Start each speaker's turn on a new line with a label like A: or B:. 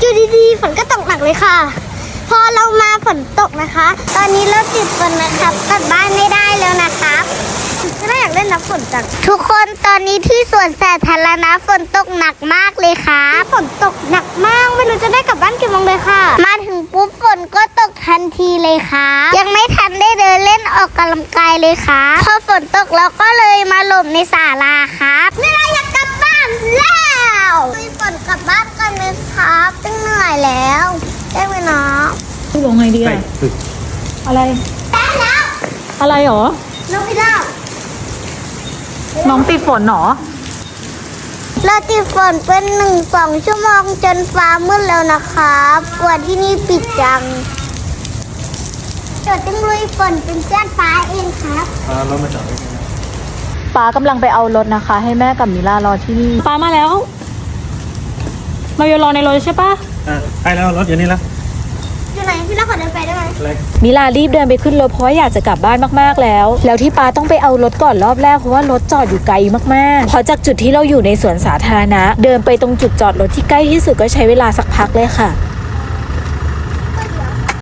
A: อยู่ดีๆฝนก็ตกหนักเลยค่ะ พอเรามาฝนตกนะคะ ตอนนี้เราติดฝนนะครับกลับบ้านไม่ได้แล้วนะครับไม่อยากเล่นน้ำฝนจังทุกคนตอนนี้ที่สวนสาธารณะฝนตกหนักมากเลยค่ะฝนตกหนักมากไม่รู้จะได้กลับบ้านกี่โมงเลยค่ะ มาถึงปุ๊บฝนก็ตกทันทีเลยค่ะยังไม่ทันได้เดินเล่นออกกำลังกายเลยค่ะพอฝนตกเราก็เลยมาหลบในศาลาครับไม่ได้อยากกลับบ้านแล้วมีฝนกลับบ้านกันไหมครับตึงเหนื่อยแล้วได้ไหมน้อง
B: ลงไงดีอะอะไร
A: ได้แล้ว
B: อะไรหรอ
A: น้องพี่เล่า
B: น้องติดฝนหรอ
A: เราติดฝนเป็น1-2 ชั่วโมงจนฟ้ามืดแล้วนะครับกว่าที่นี่ปิดจังเดี๋ยวต้องลุยฝนเป็นเพื่อนฟ้าเองครับ
C: รถมาจอดไว้ไง
B: ป้ากำลังไปเอารถนะคะ ให้แม่กับมิล่ารอที่นี่ป้ามาแล้ว มาอยู่รอในรถใช่ปะ
C: ไปแล้วรถอยู่นี่แล้ว
A: อยู่ไหนพี่เล่าขอเดินไปได้ไหม
C: อะไร
B: มิลารีบเดินไปขึ้นรถเพราะว่าอยากจะกลับบ้านมากๆแล้วที่ป้าต้องไปเอารถก่อนรอบแรกเพราะว่ารถจอดอยู่ไกลมากๆพอจากจุดที่เราอยู่ในสวนสาธารณะเดินไปตรงจุดจอดรถที่ใกล้ที่สุดก็ใช้เวลาสักพักเลยค่ะ